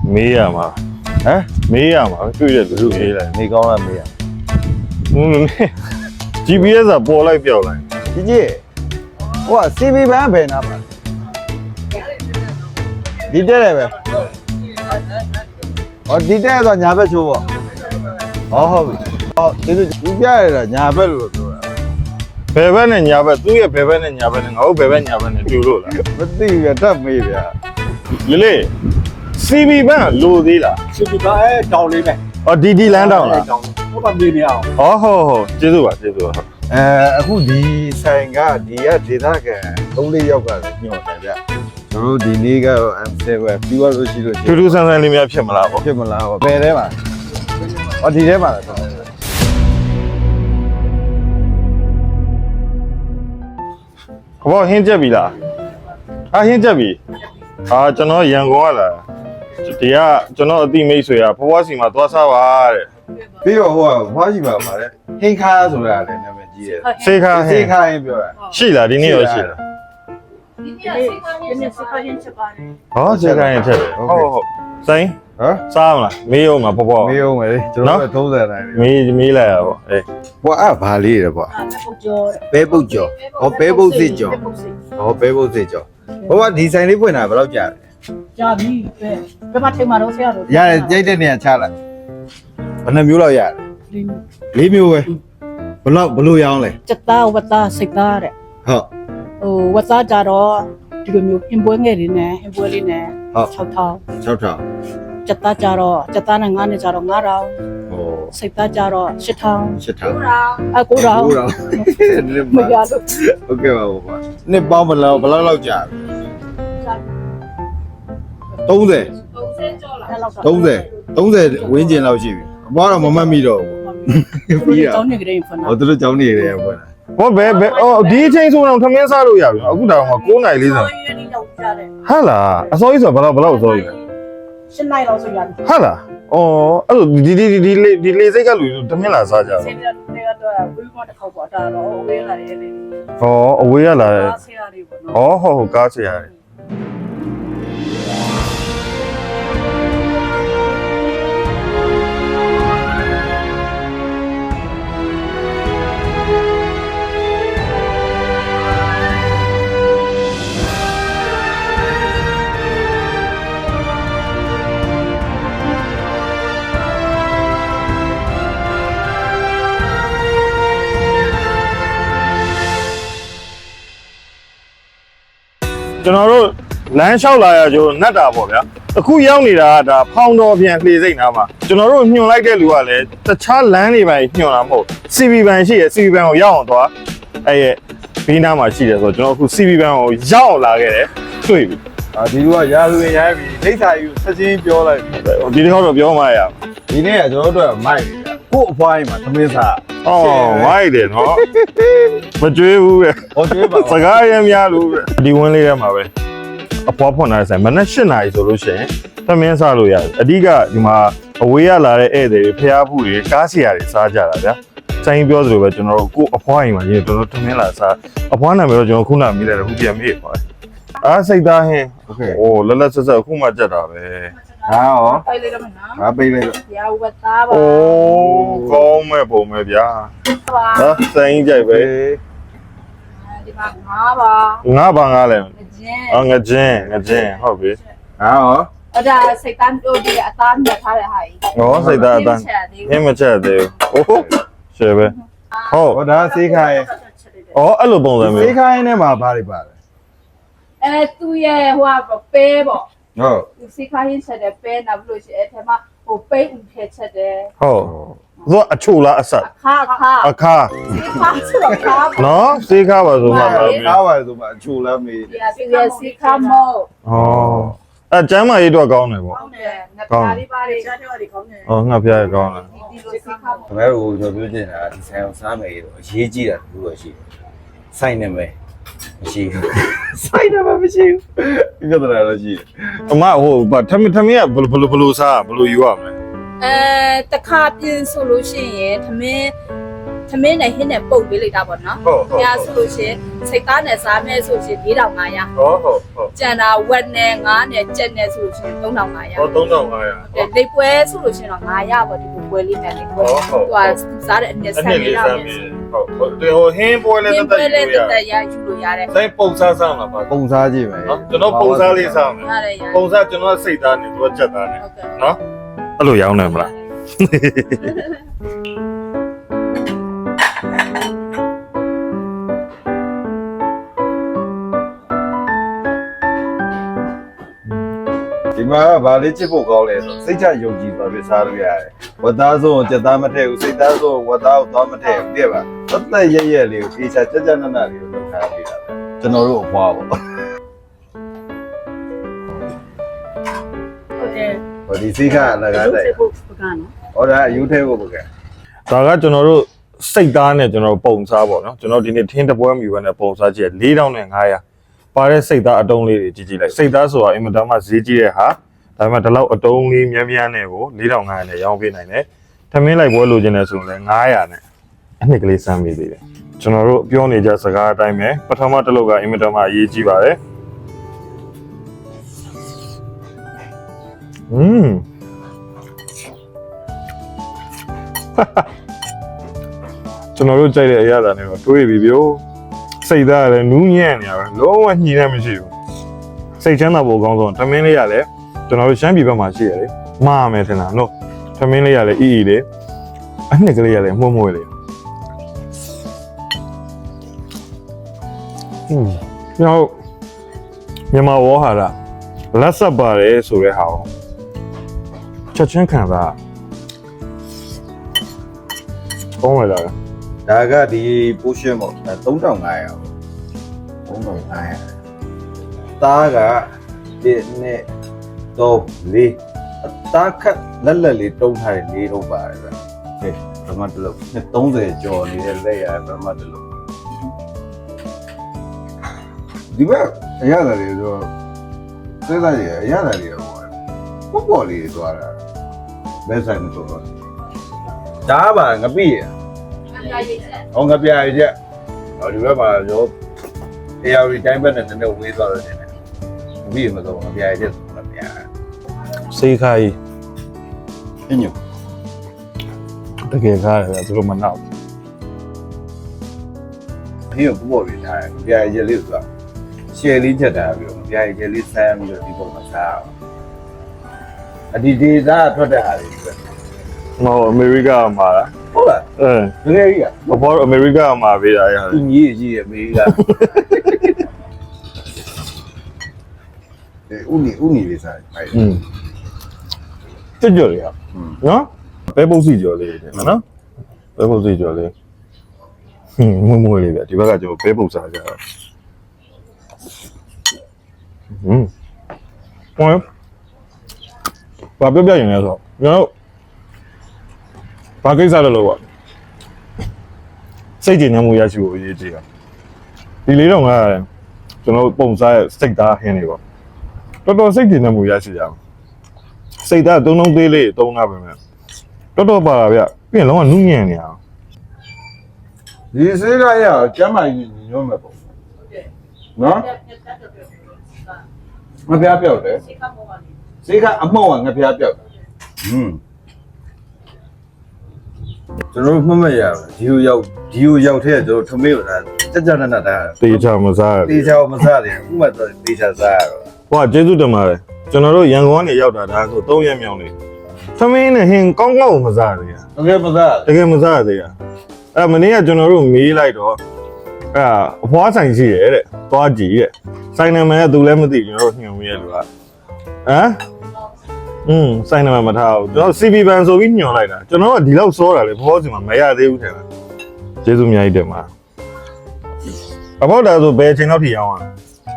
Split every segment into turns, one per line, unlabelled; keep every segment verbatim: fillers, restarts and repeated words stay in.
မေးရမှာဟမ်မေးရမှာတွေ့တဲ့လူမေးလိုက်နေကောင်းလားမေးရဟင်း G P S ကပေါ်လိုက်ပြောက်လိုက်
ကြီးကြီးဟိုက C V ဘန်းဘယ်နာပါဒီတက်တယ်ပဲဟောဒီတက်ဆိုညာဘက်ချိုးပေါ့ဟောဟုတ်ပြီဟောဒီလိုဒီပြရတာညာဘက်လို့ပြောတာ
ဘယ်ဘက်နဲ့ညာဘက်သူ့ရဲ့ဘယ်ဘက်နဲ့ညာဘက်နဲ့ငါတို့ဘယ်ဘက်ညာဘက်နဲ့တူလို့လား
မသိဘူးတတ်မေးဗျာ
လေလေ C V ဘန်းလိုသေးလား
စီပီကအဲတောင်းလေးပဲ
အော်ဒီဒီလမ်းတောင်းလား
တောင်းဟုတ်ပါမြေနေအောင်
ဟောဟောဟောကျေးဇူးပါကျေးဇူးပါ
အဲအခုဒီဆိုင်ကဒီကဒေသခံသုံးလေးယောက်ကလည်းညှော်တယ်ဗျကျွန်တော်တို့ဒီနေ့ကတော့ M seven ပြီးသွားလို့ရှိလို့
ထူးထူးဆန်းဆန်းလေးများဖြစ်မလားပေါ့
ဖြစ်မလားဟောဘယ်ထဲမှာဟောဒီထဲမှာလားဟော
ဘောဟင်းချက်ပြီလားအာဟင်းချက်ပြီအာကျွန်တော်ရန်ကုန်ကလာဒီကကျွန်တော်အတိမိတ်ဆွေကဘွားစီမှာသွားစားပါတဲ့
ပြီးတော့ဟိုကဘွားကြီးပါပါလေဟင်းခါဆိုတာလည်းနာမည်ကြီးတယ်
စေခါဟ
ဟ
င်း
င်းခါရင်ပြောတာ
ရှိလားဒီနေ့ရောရှိလား
ဒီနေ့စိတ်ကောင်းရင်ချက်ပါတယ်
ဟောစေခါဟင်းချက်တယ်ဟုတ်ဟုတ်စိုင်း
ဟမ်
စားမလားမေးအောင်မှာပေါ့ပေါ့
မေးအောင်မယ်လေကျွန်တော်တို့သုံးဆယ်တိုင်း
မေးမေးလိုက်ရပေါ့အေး
ဘွားအဘာလေးရယ်ဘွား
အဲ့ပုတ်ကျော်
ပဲပုတ်ကျော်ဟောပဲပုတ်စစ်ကျော်ဟောပဲပုတ်စစ်ကျော်ဘွားဒီဆိုင်လေးဖွင့်တာဘယ်တော့ကြာလဲ
ကြာပြီပဲဘယ်မှာထိမှာတော့ဆရာတို့
ရတယ်ကြိုက်တဲ့နေရာချလိုက်ဘယ်နှမျိုးလောက်ရတယ်
ဒီ
လေးမျိုးပဲဘယ်လောက်ဘလို့ရောင်းလဲ
စက်သားဝတ်သားစိတ်သားတဲ့
ဟုတ်
ဟိုဝတ်သားကြတော့ဒီလိုမျိုးအင်ပွဲငယ်လေးနဲ့အင်ပွဲလေးနဲ့၆ထောင်
၆ထောင်
စက်သားကြတော့စက်သားနဲ့ငါးနဲ့ကြတော့၅ထောင်
ဟော
စိတ်သားကြတော့၈ထောင်
၈ထောင်
အ၉ထောင်
၉ထောင်
မရလို့
โอเคပါဘွားနှစ်ပေါင်းဘယ်လောက်ဘယ်လောက်လောက်ကြာ30
အဲ့လောက်တော့
30 30ဝင်းကျင်လောက်ရှိပြီအဘွားတော့မမှတ်မိတော့ဘူးပြီးတာ
ကျောင်းနေကြတဲ့ဖနာ
ဟောသူတို့ကြောင်းနေရတယ်ဘွား
ဘောဘယ်ဘယ်အော်ဒီအချိန်ဆိုတော့ထမင်းစားလို့ရပြီအခုတောင်မှ9နာရီလေးစား
ရင်းရောက်ကြတယ်
ဟာလားအစောကြီးဆိုဘယ်လောက်ဘယ်လောက်အစောကြီးလဲ
ရှင်းနိုင်တော့ဆိုရတယ်
ဟာလားအော်အဲ့လိုဒီဒီဒီဒီဒီလေစိတ်ကလူထမင်းလာစားကြ
ဆ
တော့
င်းရဲတွေကတော့ဝေးမတစ်ခေါက်ပေါ့ဒါတော့ဝေးလာတယ်လေ
ဟောအဝေးရလာတယ်
ဆရာတွေပေါ့နော်
ဟောဟောကားချရတယ်ကျွန်တော်တို့လမ်းလျှောက်လာရကြိုးနတ်တာပေါ့ဗျာအခုရောက်နေတာကဒါဖောင်းတော်ပြန်လှေစိတ်နာမှာကျွန်တော်တို့ညွှန်လိုက်တဲ့လူကလည်းတခြားလမ်းတွေပဲညွှန်တာမဟုတ် C V ဘန်ရှိရ C V ဘန်ကိုရောက်အောင်သွားအဲ့ရဲ့ဘေးနားမှာရှိတယ်ဆိုတော့ကျွန်တော်အခု C V ဘန်ကိုရောက်အောင်လာခဲ့တယ်တွေ့ပြီ
အာဒီလူကရာလူရင်ရိုင်းပြီဒိဋ္ဌာယူဆက်ချင်းပြောလိုက်ပြီ
ဒီတစ်ခေါက်တော့ပြောမှရအောင်
ဒီနေ့ကကျွန်တော်တို့ကမိုက်နေတာကို့အဖွားကြီးမှာသမင်းစား
အော်ဝိုက်တယ်နော်မကြွေးဘူးပဲ
ဟောကျွေးပါ
စကားရမ်းများလို့ဒီဝင်းလေးထဲမှာပဲအပွားဖွင့်လာတဲ့ဆိုင်မနက်၈နာရီဆိုလို့ရှိရင်သမင်းစားလို့ရတယ်အဓိကဒီမှာအဝေးရလာတဲ့ဧည့်သည်တွေဖျားဖို့တွေကားစီယာတွေစားကြတာဗျာဆိုင်ပြောသလိုပဲကျွန်တော်တို့ကိုအဖွားအိမ်မှာရင်းကျွန်တော်သမင်းလာစားအဖွားနာမည်တော့ကျွန်တော်ခုနမေးလိုက်တယ်ခုပြန်မေးပါတယ်အားစိတ်သားဟင်းโอเคโอ้လက်လက်ဆက်ဆက်အခုမှကြက်တာပဲ
ဟာရော
ပိုက်လိုက်တော့မနော်
ငါပေးလိုက်တော့
ရာဝတ်သားပါ
โอ้ကောင်းမဲ့ပုံပဲဗျာ
ပါ
ဟာဆိုင်ကြိုက်ပဲ
ဒီမှာငါးပါ
ငါဘာငါလဲ
ကျင်း
အော်ငကြင်းငကြင်းဟုတ်ပြီ
ဟာရော
အဲ့ဒါစိတ်တန်းတို့ဒီအသားမြတ်ထားတဲ့ဟာကြီး
ဟောစိတ်သားအတန်းဟင်းမချက်သေးဘူးဟိုးရှယ်ပဲဟုတ်
ဟောဒါစေးခိုင်း
อ๋อအဲ့လိုပုံစံမျိုး
စေးခိုင်းနဲ့မှာဘာတွေပါလဲ
အဲသူရဲ့ဟိုကပဲပေါ့
ဟုတ်
သူစိတ်ခိုင်းချက်တဲ့ပဲနောက်လို့ရှိအဲ့ထဲမှာဟိုပိတ်ဦးထဲချက်တယ်
ဟုတ်သူကအချိုလားအဆက်
ခါခါ
အခါ
ခါဆိုတော့ခါပေါ့
နော်စေးခါပါဆိုမှပါပြီ
ကားပါဆိုမှအချိုလမ်းမေး
ဒီအစီရဲ့စိတ်ခါမော
ဟောအဲကျမ်းမာရေးတော့ကောင်းတယ်ပေါ့
ကောင်းတယ်ငါပါလေးပါလေးချားတယ်ကောင်းတယ်
ဟောငါဖျားရကောင်းတယ်
ဒီလိုစိတ်ခါမော
ခင်ဗျားတို့ကျွန်တော်ပြောချင်တာဒီဆိုင်အောင်စားမယ်လို့အရေးကြီးတာတူတော့ရှိတယ်စိုက်နေမယ်မရှိဘူးစိုက်နေမှာမရှိဘူးပြဿနာတော့ရှိတယ်
အမဟိုဗထမင်းထမင်းကဘယ်လိုဘယ်လိုစားဘယ်လိုယူရမလဲ
အဲတခါပြင်ဆိုလို့ရှိရင်သမင်း
သမင်းနဲ့ဟင်းနဲ့ပုတ်ပေးလိုက်တာပေါ့နော်
ဟုတ်ဟုတ်
။ညာဆိုလို့ရှိရင်စိတ်သားနဲ့စားမဲဆိုရှင်၄ထောင်၅ရာ
ဟုတ်ဟုတ်ဟုတ်
ကျန်တာဝက်နဲ့ငါးနဲ့ကြက်နဲ့ဆိုလို့ရှိရင်၃ထောင်၅ရာ
ဟောသုံးထောင်၅ရာ
တဲ့လိပ်ပွဲဆိုလို့ရှိရင်တော့၅ရာပေါ့ဒီပွဲလေးနဲ့လိပ်ပွဲ
ဟုတ်ဟုတ်
သူကစားတဲ့အနှစ်
အ
ဆ
န
န်
ည်း
လေး
လေး
တော့
စားမင်းဟုတ်ဟုတ်ဒီဟိုဟင်းပွဲလေး
ဒီ
တက်
ပွဲ
တက်
လေး
ယူရ
တက်ရယူလို့ရတယ်
ဆိုင်ပုံစားစားမှာပါ
ပုံစားကြည့်မယ်
နော်ကျွန်တော်ပုံစားလေးစားမယ်
ရတယ်ရ
ပုံစားကျွန်တော်စိတ်သားနေသူကချက်သားနေ
ဟုတ်ကဲ့
နော်အဲ့လိုရောင်းနေမလား
ဒီမှာဗာလေးချစ်ဖို့ကောင်းလဲဆိုစိတ်ချယုံကြည်သွားပြီးစားလို့ရတယ်ဝတ်သားဆုံးစက်သားမထည့်ဘူးစိတ်သားဆုံးဝတ်သားကိုသွားမထည့်ဘူးတဲ့ပါသက်သက်ရရက်လေးကိုအေးချာကြက်ကြက်နက်နက်လေးကိုလုပ်ထားပေးတာကျွန်တော်တို့အပွားပေါ့
ဟုတ်တယ်
ဟိုဒီစိတ်ကအလကားတိုက်
ဖို့ပကနော်
ဟောဒါအယူထဲဖို့ပေါ့ကဲ
ဒါကကျွန်တော်တို့စိတ်သားနဲ့ကျွန်တော်ပုံစားပေါ့နော်ကျွန်တော်ဒီနေ့ထင်းတပွဲမြူပဲနဲ့ပုံစားကြည့်၄ထောင်နဲ့၅ရာပါတဲ့စိတ်သားအတုံးလေးတွေကြည့်ကြည့်လိုက်စိတ်သားဆိုတာအင်မတန်မှဈေးကြီးတဲ့ဟာဒါပေမဲ့ဒီလောက်အတုံးလေးမြန်းမြန်းနဲ့ကို၄ထောင်၅ရာနဲ့ရောင်းပေးနိုင်တယ်ထမင်းလိုက်ပွဲလိုချင်တယ်ဆိုရင်လည်း၅ရာနဲ့အနှစ်ကလေးစမ်းပေးသေးတယ်ကျွန်တော်တို့ပြောနေကြစကားအတိုင်းပဲပထမတစ်လုတ်ကအင်မတန်မှအရေးကြီးပါတယ်อืม ကျွန်တော်တို့ကြိုက်တဲ့အရာတွေတော့တွေးပြီးပြိုစိတ်သားကလည်းနူးညံ့နေရပဲလုံးဝညှိနှံ့မရှိဘူးစိတ်ချမ်းသာဖို့အကောင်းဆုံးထမင်းလေးရလည်းကျွန်တော်တို့ရှမ်းပြည်ဘက်မှာရှိရလေမှားမယ်ထင်တာနော်ထမင်းလေးရလည်းအီအီလေးအနှစ်ကလေးရလည်းမှုံမွေးလေးဟင်းနောက်မြန်မာဝေါ်ဟာရလက်ဆက်ပါတယ်ဆိုတဲ့ဟာကိုချက်ချင်းခံစားကောင်းလာလား
ဒါကဒီ portion ပေါ့ဒါ၃ထောင်၅ရာပေါ့၃ထောင်၅ရာသားကဒီနဲ့တော့လေးအသားခက်လက်လက်လေးတုံးထားတဲ့လေးတော့ပါတယ်ဗျဟဲ့ဘာမှတလို့နှစ်၃၀ကျော်နေတဲ့လက်ရဘာမှတလို့ဒီဘက်အရသာတွေဆိုစိတ်သားတွေအရသာတွေပေါ့ပေါ့ပေါ့လေးသွားတာဘယ်ဆိုင်မဆိုတော့ဒါပါငပိရဟောငပြရချက်ဟောဒီဘက်မှာရောအေယာရီတိုင်းဘက်နဲ့နည်းနည်းဝေးသွားတယ်နည်းငပိရမဆိုငပြရချက်ဆိုငပြရ
စေးခိုင်း
အင်းည
တကယ်ကားတယ်သူတို့မနောက်
ဒီကပေါ့ပြီးထားတယ်ငပြရချက်လေးဆိုတာရှယ်လေးချက်တာပြီးတော့ငပြရချက်လေးဆမ်းပြီးတော့ဒီပုံမှာစားအောင်အဒီဒေတာထွက်တဲ့ဟာတွေပဲ
မဟုတ်အမေရိကမှာလား
ဟုတ်လား
အဲ
တကယ်ကြီးอ่ะ
ဘာလို့အမေရိကမှာပေးတာရလဲ
သူကြီးကြီးရဲ့မေးကအဲဦးနီဦးနီလေးစားဖိုင်
อืมကြွကြွလေးဟာနော်ဘဲပုတ်စီကြော်လေးတယ်နော်ဘဲပုတ်စီကြော်လေးဟင်းမွမွလေးပဲဒီဘက်ကကျွန်တော်ဘဲပုတ်စားကြတော့ဟင်းဟောဘာပြပြရင်လဲဆိုတော့ကျွန်တော်ဘာကိစ္စလဲလို့ပေါ့စိတ်ကြည်နမှုရရှိဖို့အရေးကြီးတာဒီလေးတော့ငါကျွန်တော်ပုံစားရဲ့စိတ်သားဟင်းနေပေါ့တော်တော်စိတ်ကြည်နမှုရရှိကြအောင်စိတ်သားသုံးလုံးသေးလေးသုံးတာပဲမဲ့တော်တော်ပါတာဗျပြင်လုံးကနုညံ့နေအောင်
ဒီစေးကရကျမ်းမာကြီးညွှန်းမဲ့ပုံနော်ငါဖျားပြောက်တယ်စေးကအမောက်ငါဖျားပြောက်ဟွန်းကျွန်တော်မှတ်မရဘူးဒီကိုရောက်ဒီကိုရောက်ထဲကျွန်တော်ထမေးတာကြကြနနတာ
တေချာမစားရ
တေချာမစားတယ်ဥမာတော့တေချာစားရတော့
ဟိုကကျေးဇူးတင်ပါတယ်ကျွန်တော်တို့ရန်ကုန်ကနေရောက်တာဒါဆို၃ရက်မြောက်နေသမင်းနဲ့ဟင်းကောင်းကောင်းမစားရသေးတာ
တကယ်မစား
တကယ်မစားရသေးတာအဲ့မနေ့ကကျွန်တော်တို့မေးလိုက်တော့အဲ့အဖွားဆိုင်ရှိရဲ့တဲ့သွားကြည့်ရဲ့ဆိုင်နာမည်ကသူလည်းမသိကျွန်တော်တို့ညွှန်ရဲလို့ကဟမ်อืมဆိုင်နာမည်မထားဘူးကျွန်တော် စီ ပီ ဘန်ဆိုပြီးညွှန်လိုက်တာကျွန်တော်ကဒီလောက်စောတာလေဘောစီမှာမရသေးဘူးထင်တယ်ကျေးဇူးအများကြီးတင်ပါအဘောက်တာဆိုဘယ်အချိန်လောက်ထိရောင်းอ่ะ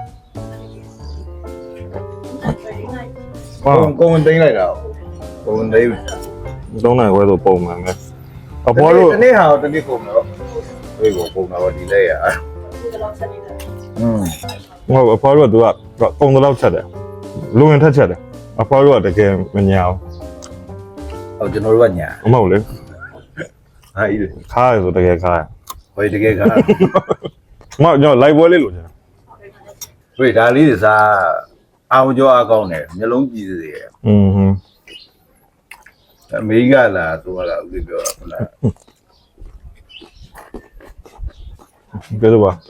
ကိုယ်ကိုယ်တင်းလိုက်တာကိုယ်တင်း
သုံးနိုင်ခွဲဆိုပုံမှန်ပဲအဖေါ်တို့
တနေ့ဟာတနေ့ကုန်တော့ဝေးကိုပုံတော့ဒီလဲရอืม
ဟိုအဖေါ်တို့ကသူကပုံတော့ချက်တယ်လူဝင်ထက်ချက်တယ်အဖေါ်တို့ကတကယ်မညာ
ဟောကျွန်တော်တို့ကညာ
ဘူးမဟုတ်လေ
ဟာဤ
ခါရဆိုတကယ်ခါရ
ဟိုတကယ်က
မကျွန်တော်လိုက်ပွဲလေးလို့ကျွန်တော်
ဝေးဒါလေးတွေစားအောင်ကြောအကောင်းတယ်မျိုးလုံးကြည့်စေတယ်
อืมဟွန်း
အမေကလာသူကလာဦးလေးပြောတာဟုတ်လား
ကဲတော့ပါ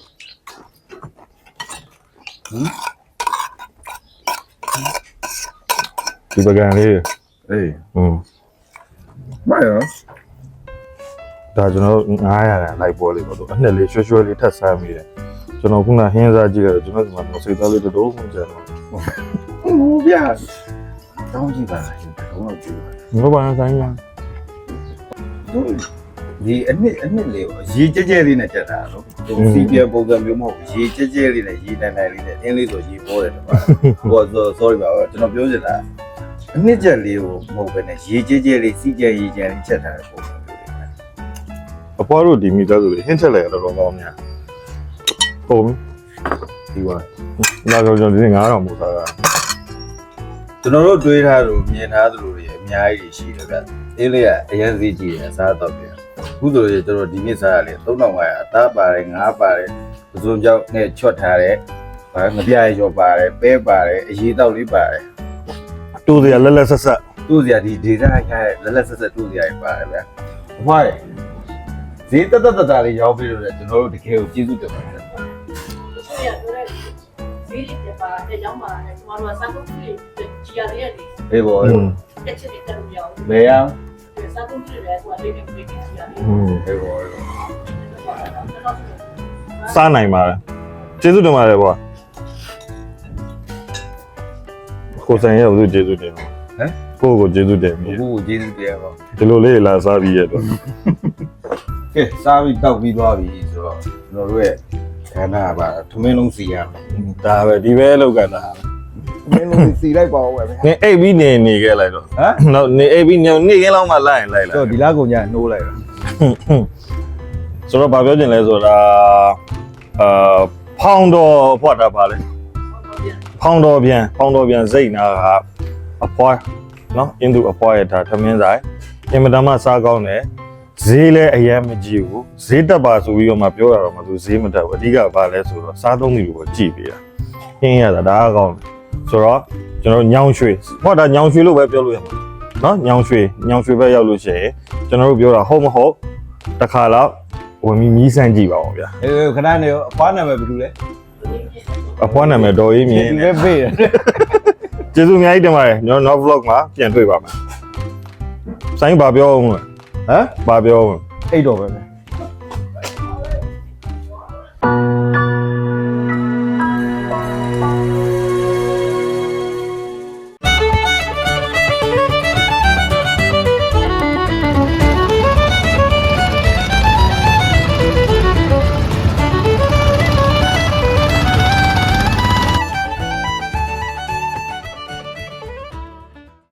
ဒီပကံလေး
အေး
อืม
မရော
ဒါကျွန်တော်နင်းhundလိုက်ပွဲလေးပေါ့တော့အနှစ်လေးရွှဲရွှဲလေးထပ်ဆမ်းမိတယ်ကျွန်တော်ခုနဟင်းစားကြည့်ရတယ်ကျွန်တော်ဒီမှာစိတ်သားလေးတော်မှကျန်တော့
ဟုတ်ဗျာတောင်းကြည့်ပါလားတော့ကြည့်ပါ
ငါဘာဆိုင်ရ
သူဒီအနှစ်အနှစ်လေးကိုရေကြဲကြဲလေးနဲ့ချက်တာနော်သူစီပြပုံစံမျိုးမဟုတ်ရေကြဲကြဲလေးနဲ့ရေတန်တန်လေးနဲ့အင်းလေးဆိုရေပေါ်တယ်တပါဟိုဆို sorry ပါကျွန်တော်ပြောချင်တာအနှစ်ချက်လေးကိုမဟုတ်ဘဲနဲ့ရေကြဲကြဲလေးစီကြဲရေကြဲလေးချက်ထားတဲ့ပုံစံမျိုးလေး
အဖွားတို့ဒီမိသားစုလေးဟင်းချက်လိုက်ရတော့ကောင်းများဟုတ်ဒီပါလာကြောကျွန်တော်ဒီငါးတောင်ပို့ထားတာ
ကျွန်တော်တို့တွေးထားလို့မြင်ထားသလိုတွေအများကြီးရှိတယ်ဗျအေးလေးကအရင်စီးကြည့်တယ်အစားတော့ပြန်ခုဆိုရင်ကျွန်တော်ဒီနေ့စားရလေသုံးထောင်၅ရာအသားပါတယ်ငါးပါတယ်ပစုံကြောက်နဲ့ချွတ်ထားတယ်ဘာငပြားရောပါတယ်ပဲပါတယ်အရေးတောက်လေးပါတယ်
တိုးစရာလက်လက်ဆက်ဆက်
တူးစရာဒီဒေတာခိုင်းလက်လက်ဆက်ဆက်တူးစရာတွေပါတယ်ဗျအဖွားရဈေးတက်တက်တက်တာလေးရောက်ပြီးတော့ကျွန်တော်တို့တကယ်ကိုကျေးဇူးတင်ပါတယ်
ဒီကတို့ရဲ့ဈေးတွေပါတဲ့ကြောင်းပါတဲ့ကျွန်တော်တို့စားဖို့ကြီးကြီးရတဲ့နေ
အေးဘော
တက်ချစ်တဲ့တူပြောင်း
ဘယ်အောင်
စားဖို့ကြီးတယ်ကွာလေးနေပြေးကြီးရတယ်
อืม
အေးဘော
စားနိုင်ပါတယ်ကျေးဇူးတင်ပါတယ်ကွာကိုဆိုင်ရဲ့ဘုသူကျေးဇူးတင်ဟမ်ကိုကိုကျေးဇူးတင်ပြီ
ဘူးကျေးဇူးတင်ပါ
ဒီလိုလေးလာစားပြီးရတော့
ကဲစားပြီးတောက်ပြီးသွားပြီဆိုတော့ကျွန်တော်တို့ရဲ့ခန္ဓာပါထမင်းလုံးစီရမယ်
ဒါပဲဒီပဲလောက်ကတာ
ထမင်းလုံးစီလိုက်ပါဦးပဲဗျာ
နေအိပ်ပြီးနေနေခဲ့လိုက်တော့
ဟမ်
နောက်နေအိပ်ပြီးနေနေကင်းလောက်မှလိုက်ရင်လိုက်လာ
ဆိုတော့ဒီလားကုန်ညနှိုးလိုက်တာ
ဆိုတော့ဘာပြောချင်လဲဆိုတာအာဖောင်းတော်ဖွက်တာပါလေဖောင်းတော်ပြန်ဖောင်းတော်ပြန်စိတ်နာကအဖွားနော်အင်းသူအဖွားရတာထမင်းဆိုင်အင်မတန်မှစားကောင်းတယ်ဈေးလည်းအရင်မကြည့်ဘူးဈေးတက်ပါဆိုပြီးတော့မှပြောရတော့မှသူဈေးမတက်ဘူးအဓိကဘာလဲဆိုတော့စားသုံးသူကိုကြည့်ပေးတာခင်းရတာဒါအကောင်းဆိုတော့ကျွန်တော်ညောင်ရွှေဟောဒါညောင်ရွှေလို့ပဲပြောလို့ရမှာနော်ညောင်ရွှေညောင်ရွှေပဲရောက်လို့ရှိရင်ကျွန်တော်တို့ပြောတာဟုတ်မဟုတ်တစ်ခါတော့ဝင်ပြီးမြည်ဆန်းကြည့်ပါဦးဗျာ
အေးခဏနေအဖွားနာမည်ဘယ်လိုလဲ
အဖွားနာမည်တော်ရေးမြင်
ဒီပဲပေးတယ်
ကျေးဇူးအများကြီးတင်ပါတယ်ကျွန်တော်နောက် vlog မှာပြန်တွေ့ပါမယ်ဆိုင်ဘာပြောအောင်လဲ
ဟမ်
ဘာပြောအောင်
အိတ်တော်ပဲ